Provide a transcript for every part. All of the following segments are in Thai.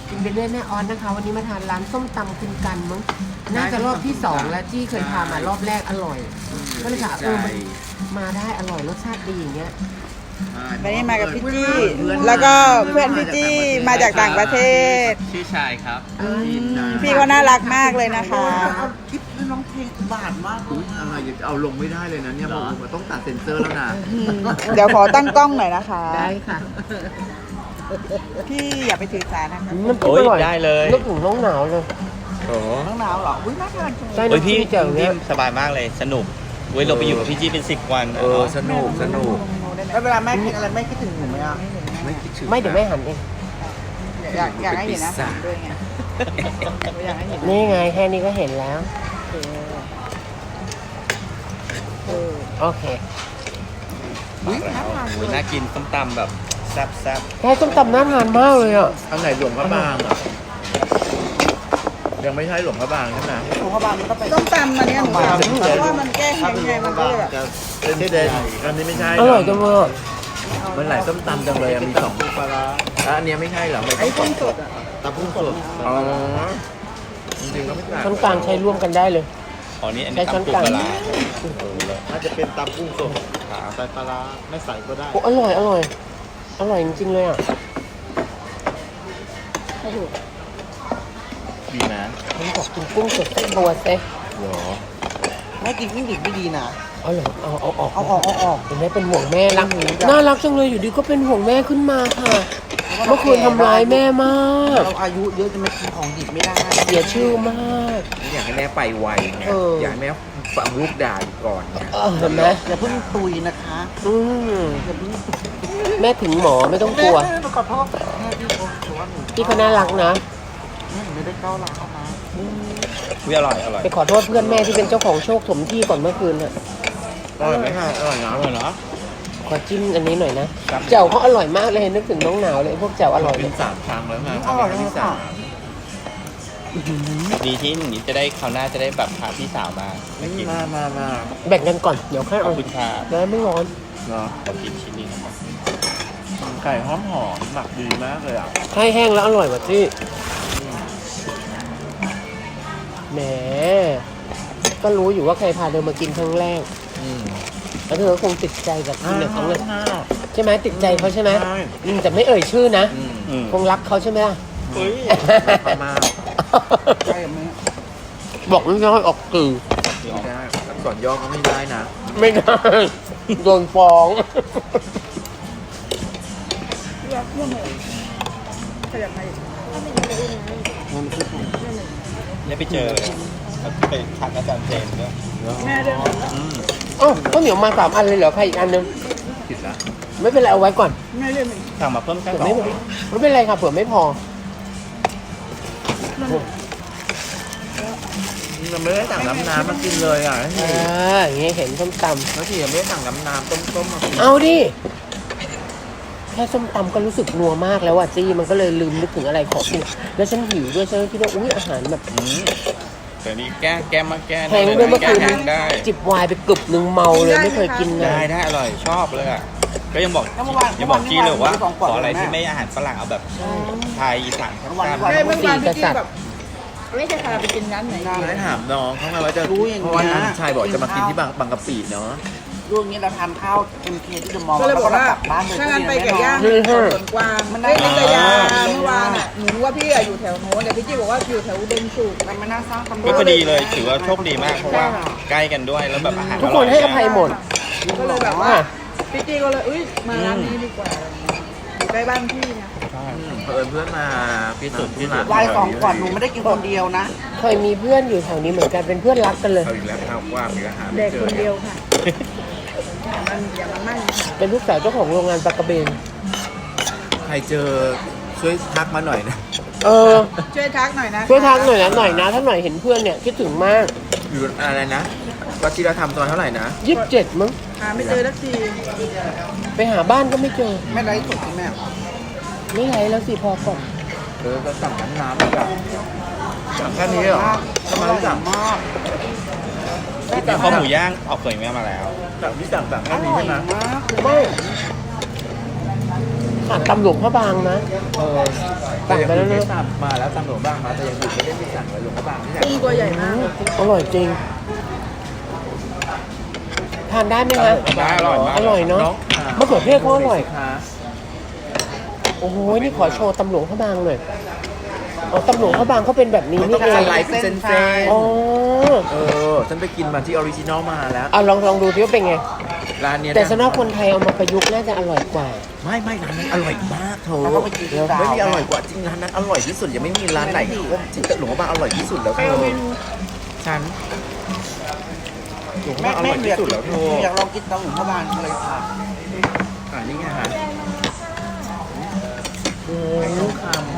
กินไปเรื่อยแม่ออนนะคะ วันนี้มาทานร้านส้มตำคุณกันมั้งน่าจะรอบที่2แล้วที่เคยพามารอบแรกอร่อยก็เลยค่ะมันมาได้อร่อยรสชาติดีอย่างเงี้ยวันนี้มากับพี่จี้แล้วก็เพื่อนพี่จี้มาจากต่างประเทศชื่อชายครับพี่เขาน่ารักมากเลยนะคะเอาคลิปน้องเพลงบาดมากเลยอะไรอย่าเอาลงไม่ได้เลยนะเนี่ยมันต้องตัดเซ็นเซอร์แล้วนะเดี๋ยวขอตั้งกล้องหน่อยนะคะได้ค่ะพี่อย่าไปถือสานะคะมันโอ้ยอร่อยได้เลยนึกถึงน้องหนาวเลยโอ้น้องหนาวเหรออุ้ยน่าทานจังเลยใช่โอ้ยน้ำพี่จิ้มแจ่วเนี้ยสบายมากเลยสนุกเว้ยเราไปอยู่กับพี่จี้เป็น10 วันสนุกแล้วเวลาแม่กินอะไรแม่คิดถึงหนูไหมอ่ะไม่คิดถึงไม่เดี๋ยวแม่หันเองอยากให้เห็นนะด้วยไงอยากให้เห็นนี่ไงแค่นี้ก็เห็นแล้วโอเคมาแล้วโอ้ยน่ากินส้มตำแบบแซ่บแค่ส้มตำน่าทานมากเลยอ่ะอันไหนหลวงพระบางอ่ะยังไม่ใช่หลวงพระบางใช่ไหมของพบาลมันก็ไปต้มตำอันเนี้ยหนูเพราะว่ามันแก้แห้งไงมันก็เลยแบบเป็นที่เด่นอันนี้ไม่ใช่อร่อยจังเลยอะมันหลายส้มตำจังเลยมี2ปลาร้าอันนี้ไม่ใช่เหรอไอ้กุ้งสดอ่ะตำกุ้งสดอ๋อจริงๆก็ไม่ต่างช้อนกลางใช้ร่วมกันได้เลยๆอ๋อนี่อันใช้นี้ช้อนตำปูกลางปลาร้าน่าจะเป็นตำกุ้งสดใส่ปลาร้าไม่ใส่ก็ได้โอ้อร่อยอร่อยอร่อยจริงๆเลยอ่ะดีนะมันบอกกินกุ้งสดสักตัวเซ่หรอไม่กินกุ้งดิบไม่ดีนะเอาเหรอเอาออกเอาออกเห็นไหมเป็นห่วงแม่รักน่ารักจังเลยอยู่ดีก็เป็นห่วงแม่ขึ้นมาค่ะเมื่อคืนทำร้ายแม่มากเราอายุเยอะจะมากินของดิบไม่ได้เสียชื่อมากอยากให้แม่ไปไวไงอยากให้แม่ฟังลูกด่าอยู่ก่อนเห็นไหมอย่าเพิ่งตุยนะคะอืมอย่าเพิ่งแม่ถึงหมอไม่ต้องกลัวแม่ขอโทษแม่พี่ถือว่าหนูพี่เขาน่ารักนะแม่หนูไม่ได้ก้าวร้าวเขานะอุ๊ยอร่อยอร่อยไปขอโทษเพื่อนแม่ที่เป็นเจ้าของโชคสมที่ก่อนเมื่อคืนน่ะอร่อยไหมคะอร่อยนะอร่อยเนาะขอจิ้มอันนี้หน่อยนะแจ่วเขาอร่อยมากเลยนึกถึงน้องหนาวเลยพวกแจ่วอร่อยเป็น3 ครั้งแล้วไงครั้งที่สามดีที่อย่างนี้จะได้คราวหน้าจะได้แบบพาพี่สาวมากินมาแบ่งกันก่อนเดี๋ยวค่อยขอเอาบคุณค่ะแล้วไม่ร้อนเนาะขอกินชิ้นนี้นะครับไก่หอมหมักดีมากเลยอ่ะให้แห้งแล้วอร่อยกว่าที่แหมก็รู้อยู่ว่าใครพาเธอมากินครั้งแรกแล้วเธอก็คงติดใจกับกินในครั้งแรกใช่ไหมติดใจเขาใช่ไหมแต่ไม่เอ่ยชื่อนะอืมคงรักเขาใช่ไหมล่ะเฮ้ยมากใช่ไหมบอกไม่ได้ออกสื่อไม่ได้อักษรย่อก็ไม่ได้นะไม่ได้โดนฟ้องอยากเพื่อนเลยขยับมาอีกได้ไปเจอไปทักอาจารย์เจนด้วยแม่เดินอืมอ๋อข้าวเหนียวมา3 อันเลยเหรอใครอีกอันนึงผิดละไม่เป็นไรเอาไว้ก่อนแม่เดินสั่งมาเพิ่มแค่เผื่อสอไม่งไม่เป็นไรค่ะเผื่อไม่พอมันไม่ได้สั่งน้ำมากินเลยอ่ะอย่างงี้เห็นส้มตแล้วที่ยังไม่ได้สั่งน้ำต้มมากินำเอาดิแค่ส้มตำก็รู้สึกนัวมากแล้วอ่ะจี้มันก็เลยลืมนึกถึงอะไรของกินแล้วฉันหิวด้วยฉันก็คิดว่าอุ้ยอาหารแบบอืมแต่นี่แก้มาแก้แพงด้วยเมื่อคืนแก้ได้จิบไวน์ไปกึบหนึ่งเมาเลยไม่เคยกินนะได้อร่อยชอบเลยอ่ะก็ยังบอกจี้เลยว่าขออะไรที่ไม่อาหารฝรั่งเอาแบบไทยอีสานครับเมื่อวานพี่จี้แบบไม่ใช่ค่ะไปกินร้านไหนได้ถามน้องเขาไงว่าจะรู้อย่างเพราะว่าทางชายบอกจะมากินที่บางกะปิเนาะรูปนี้เราทานข้าวMKที่เดอะมอลล์ก็เลยบอกว่าบ้านเลยถ้างั้นไปไก่ย่างนี่ฮะสวนกวางมันได้นิตยาเมื่อวานอ่ะหนูรู้ว่าพี่อะอยู่แถวโน้นแต่พี่จี้บอกว่าอยู่แถวอุดมสุขมันไม่น่าสร้างตำรวจก็พอดีเลยถือว่าโชคดีมากเพราะว่าใกล้กันด้วยแล้วแบบอาหารทุกคนให้อภัยหมดก็เลยแบบว่าพี่จี้ก็เลยมาร้านนี้ดีกว่าอยู่ใกล้บ้านพี่นะเพื่อนมาพิสูจน์ที่ร้านวายสองขวดหนูไม่ได้กินคนเดียวนะเคยมีเพื่อนอยู่แถวนี้เหมือนกันเป็นเพื่อนรักกันเลยเอาอีกแล้วข้าวว่ามีอาหารเด็กคนเดียวค่ะอย่ามันมั่งเป็นลูกสาวเจ้าของโรงงานปลากระเบนใครเจอช่วยทักมาหน่อยนะเออช่วยทักหน่อยนะช่วยทักหน่อยนะถ้าหน่อยเห็นเพื่อนเนี่ยคิดถึงมากอยู่อะไรนะวัชิรธรรมตอนเท่าไหร่นะ 27มั้งหาไม่เจอสักทีไปหาบ้านก็ไม่เจอไม่ไร้สดใช่ไหมไม่ไรแล้วสิพอก่อนก็สั่งน้ำอีกอ่ะสั่งแค่นี้เหรอทำไมไม่สั่งมากมีข้าวหมูย่างออกเผยแม่มาแล้วสั่งแค่นี้ใช่ไหมมากไม่ขาดตำหลวงพระบางนะ สั่งไปแล้วนะสั่งมาแล้วตำรวจบ้างมาแต่ยังอยู่ไม่ได้ไปสั่งเลยหลวงพระบางที่ไหนกุ้งตัวใหญ่มากอร่อยจริง ทานได้ไหมคะได้อร่อยมากอร่อยเนาะ มะเขือเทศเขาอร่อยค่ะโอ้โห นี่ขอโชว์ตำหลวงพระบางหน่อยอ๋อตำหลวงพระบางเขาเป็นแบบนี้มันนี่ต้องเอสงไลด์เป็นเส้นอ๋อฉันไปกินมาที่ออริจินอลมาแล้วเอาลองดูที่ว่าเป็นไงร้านเนี้ยแต่สำหรับคนไทยเอามาประยุกต์น่าจะอร่อยกว่าไม่ร้านนั้นอร่อยมากเธอแล้วก็ไปกินที่ดาวไม่มีอร่อยกว่าจริงร้านนั้นอร่อยที่สุดยังไม่มีร้านไหนว่าจริงแต่หลวงพระบางอร่อยที่สุดแล้วเธอฉันหลวงพระบางอร่อยที่สุดแล้วเธออยากลองกินเตาหมูพระบางเลยค่ะนี่ไงฮะน่าทาน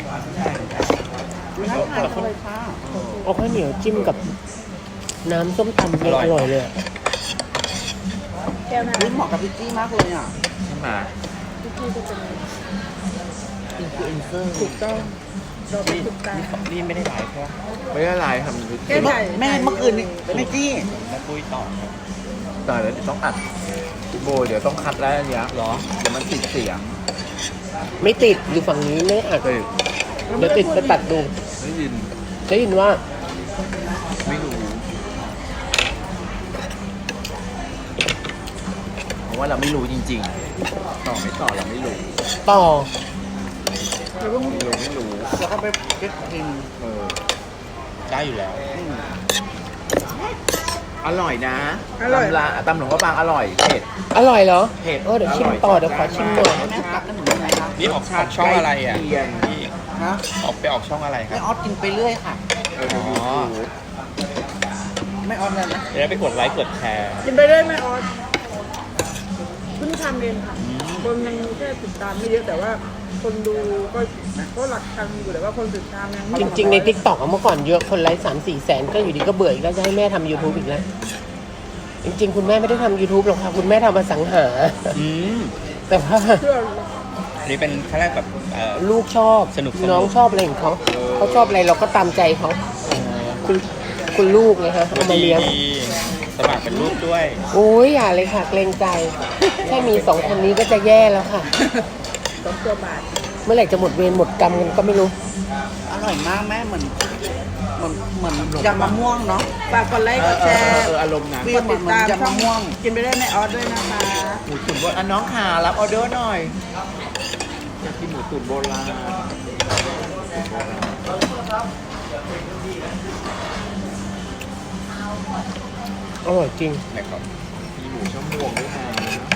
เลยค่ะเอาข้าวเหนียวจิ้มกับน้ำส้มตำเนี่ยอร่อยเลยอะแก้วน้ำเหมาะกับพิซซี่มากเลยอ่ะใช่ไหมพิซซี่จะเป็นอินฟลูเอนเซอร์ถูกต้องเราเป็นถูกตานี่ไม่ได้ไลฟ์ใช่ไหมไม่ได้ลายทำแก้วใหญ่แม่เมื่อคืนนี่แม่จี้แล้วปุ้ยต่อครับแต่เดี๋ยวต้องอัดโบเดี๋ยวต้องคัดแล้วอันเนี้ยเหรอเดี๋ยวมันติดเสียงไม่ติดอยู่ฝั่งนี้ไม่อัดเฮ้ยเดี๋ยวติดไปตัดดูได้ยินได้ยินว่าไม่รู้เพราะว่าเราไม่รู้จริงๆต่อไม่ต่อเราไม่รู้ต่อเราต้องไม่รู้แล้วก็ไปเก็ตกินได้อยู่แล้วอร่อยนะอร่อยตำหลวงพระบางอร่อยเผ็ดอร่อยเหรอเผ็ดเดี๋ยวชิมต่อเดี๋ยวขอชิมหน่อยแม่ตักกันหนูยังไงคะนี่ออกช่องอะไรอ่ะใกล้เคียงพี่ฮะออกไปออกช่องอะไรคแม่รับออสกินไปเรื่อยค่ะเดี๋ยวยูทูบแม่ออสเลยนะเดี๋ยวไปกดไลค์กดแชร์กินไปเรื่อยแม่ออสเพิ่งทำเองค่ะ คนยังแค่ติดตามไม่เยอะแต่ว่า คนดูก็หลักพันอยู่แต่ว่าคนติดตามยังไม่จริงๆในทิกตอกเมื่อก่อนเยอะคนไลค์3-4 แสนก็อยู่ดีก็เบื่ออีกแล้วจะให้แม่ทำ YouTube อีกแล้ว จริงๆ คุณแม่ไม่ได้ทำ YouTube หรอกค่ะ คุณแม่ทำมาสังหาอืมแต่ว่าเชื่ออันนี้เป็นขั้นแรกแบบลูกชอบสนุกน้องชอบอะไรของเขาเขาชอบอะไรเราก็ตามใจเขาคุณลูกไงฮะเอามาเลี้ยงดีสมัครเป็นรูปด้วยโอ้ยอย่าเลยค่ะเกรงใจแค่มี2 คนนี้ก็จะแย่แล้วค่ะ 2 ตัวบาทเมื่อไหร่จะหมดเวรหมดกรรมกันก็ไม่รู้อร่อยมากแม่เหมือนยำมะม่วงเนาะฝากกดไลค์กดแชร์อารมณ์นั้นกดติดตามช่องม่วง กินไปได้แม่ออสด้วยนะคะหมูตุ๋นโบราณน้องขารับออเดอร์หน่อยอยากกินหมูตุ๋นโบราณอร่อยจริงนะครับมีหมูช่อม่วงด้วยนะ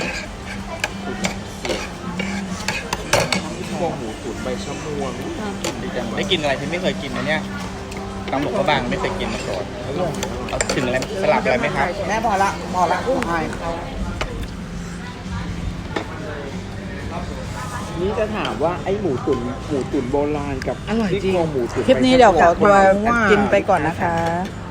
พวกหมูตุ๋นใบช่อม่วงกินดีจังได้กินอะไรที่ไม่เคยกินนะเนี่ยตำหลวงพระบางไม่เคยกินมาก่อนเอาถึงอะไรสลับอะไรไหมครับแม่พอละกุ้งไทยนี่จะถามว่าไอ้หมูตุ๋นโบราณกับอร่อยจริงซี่โคหมูตุ๋นคลิปนี้เดี๋ยวขอตัวว่ากินไปก่อนนะคะ